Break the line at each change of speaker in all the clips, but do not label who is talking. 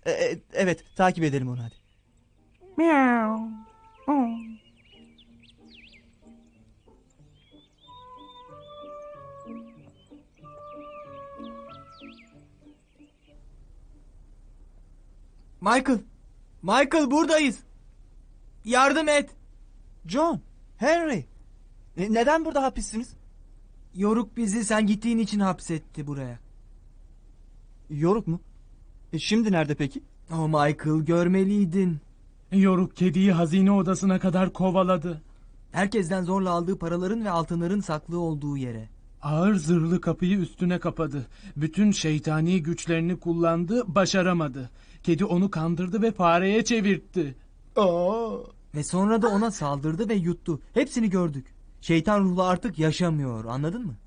Evet, takip edelim onu hadi.
Miau.
Michael! Michael buradayız! Yardım et!
John, Henry, neden burada hapissiniz?
Yoruk bizi sen gittiğin için hapsetti buraya.
Yoruk mu? Şimdi nerede peki?
Oh Michael, görmeliydin.
Yoruk kediyi hazine odasına kadar kovaladı.
Herkesten zorla aldığı paraların ve altınların saklı olduğu yere.
Ağır zırhlı kapıyı üstüne kapadı. Bütün şeytani güçlerini kullandı, başaramadı. Kedi onu kandırdı ve fareye çevirtti.
Ve sonra da ona saldırdı ve yuttu. Hepsini gördük. Şeytan ruhlu artık yaşamıyor, anladın mı?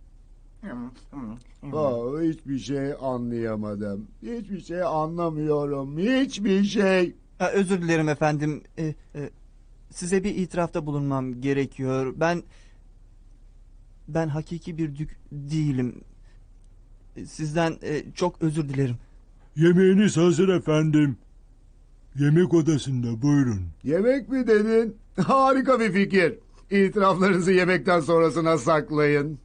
Hiçbir şey anlayamadım. Hiçbir şey anlamıyorum. Hiçbir şey.
Özür dilerim efendim. Size bir itirafta bulunmam gerekiyor. Ben hakiki bir dük değilim. Sizden çok özür dilerim.
Yemeğiniz hazır efendim. Yemek odasında buyurun.
Yemek mi dedin? Harika bir fikir. İtiraflarınızı yemekten sonrasına saklayın.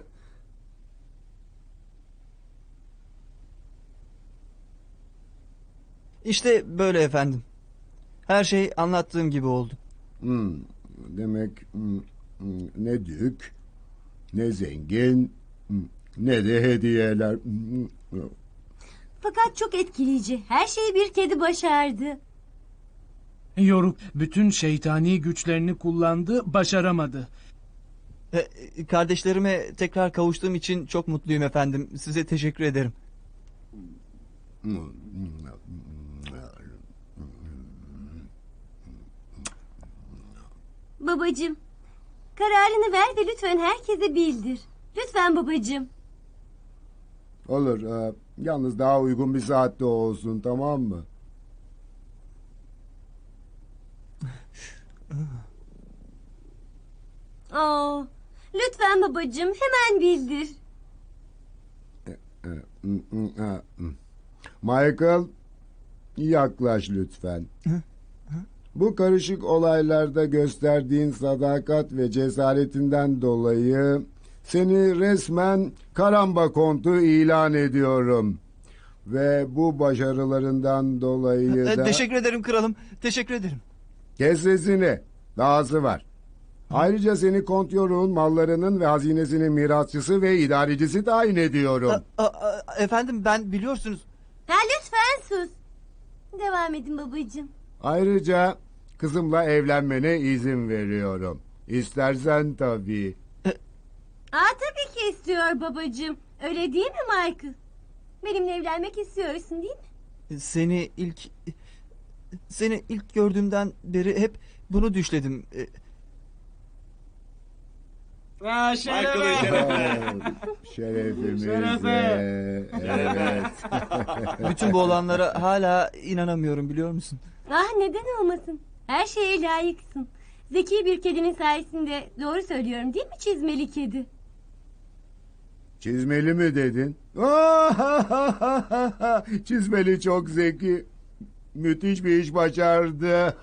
İşte böyle efendim. Her şey anlattığım gibi oldu.
Demek ne dük, ne zengin, ne de hediyeler.
Fakat çok etkileyici. Her şeyi bir kedi başardı.
Yoruk bütün şeytani güçlerini kullandı, başaramadı.
Kardeşlerime tekrar kavuştuğum için çok mutluyum efendim. Size teşekkür ederim.
Babacığım, kararını ver ve lütfen herkese bildir. Lütfen babacığım.
Olur. Yalnız daha uygun bir saatte olsun, tamam mı?
Lütfen babacığım, hemen bildir.
Michael, yaklaş lütfen. Bu karışık olaylarda gösterdiğin sadakat ve cesaretinden dolayı seni resmen Karamba Kontu ilan ediyorum. Ve bu başarılarından dolayı da...
Teşekkür ederim kralım. Teşekkür ederim.
Kes sesini. Dahası var. Ayrıca seni Kont Yoruk'un mallarının ve hazinesinin mirasçısı ve idarecisi tayin ediyorum.
Efendim ben biliyorsunuz...
Lütfen sus. Devam edin babacığım.
Ayrıca kızımla evlenmene izin veriyorum. İstersen tabii.
Tabii ki istiyor babacığım. Öyle değil mi Michael? Benimle evlenmek istiyorsun değil mi?
Seni ilk gördüğümden beri hep bunu düşledim.
Şerefimize. Evet.
Bütün bu olanlara hala inanamıyorum, biliyor musun?
Neden olmasın? Her şeye layıksın. Zeki bir kedinin sayesinde doğru söylüyorum değil mi çizmeli kedi?
Çizmeli mi dedin? Çizmeli çok zeki. Müthiş bir iş başardı.